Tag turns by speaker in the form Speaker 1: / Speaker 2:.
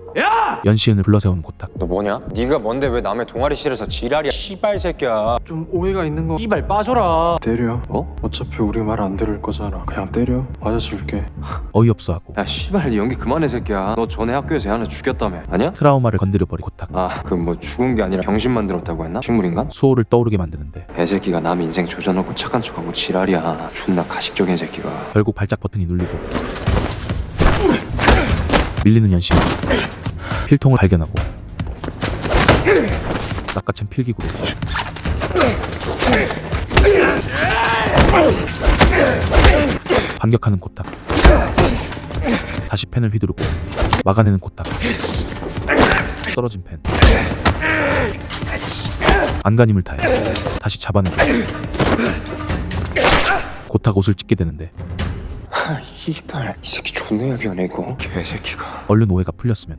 Speaker 1: 야!
Speaker 2: 연시은을 불러세운 고탁.
Speaker 3: 너 뭐냐? 네가 뭔데 왜 남의 동아리실에서 지랄이야 씨발 새끼야.
Speaker 4: 좀 오해가 있는 거.
Speaker 1: 이발 빠져라.
Speaker 4: 때려.
Speaker 3: 뭐?
Speaker 4: 어차피 우리 말 안 들을 거잖아. 그냥 때려. 맞아줄게.
Speaker 2: 어이없어하고
Speaker 3: 야 씨발 네 연기 그만해 새끼야. 너 전에 학교에서 애 하나 죽였다며. 아니야?
Speaker 2: 트라우마를 건드려버린 고탁.
Speaker 3: 아 그 뭐 죽은 게 아니라 병신 만들었다고 했나? 식물인간?
Speaker 2: 수호를 떠오르게 만드는데
Speaker 3: 애새끼가 남 인생 조져놓고 착한 척하고 지랄이야. 존나 가식적인 새끼가.
Speaker 2: 결국 발작 버튼이 눌리고 밀리는 연시은 필통을 발견하고 낚아챈 필기구로 반격하는 고탁. 다시 펜을 휘두르고 막아내는 고탁. 떨어진 펜. 안간힘을 다해 다시 잡아내고 고탁 옷을 찢게 되는데
Speaker 3: 아 씨발 이 새끼 존나 야비하네 이거. 개새끼가.
Speaker 2: 얼른 오해가 풀렸으면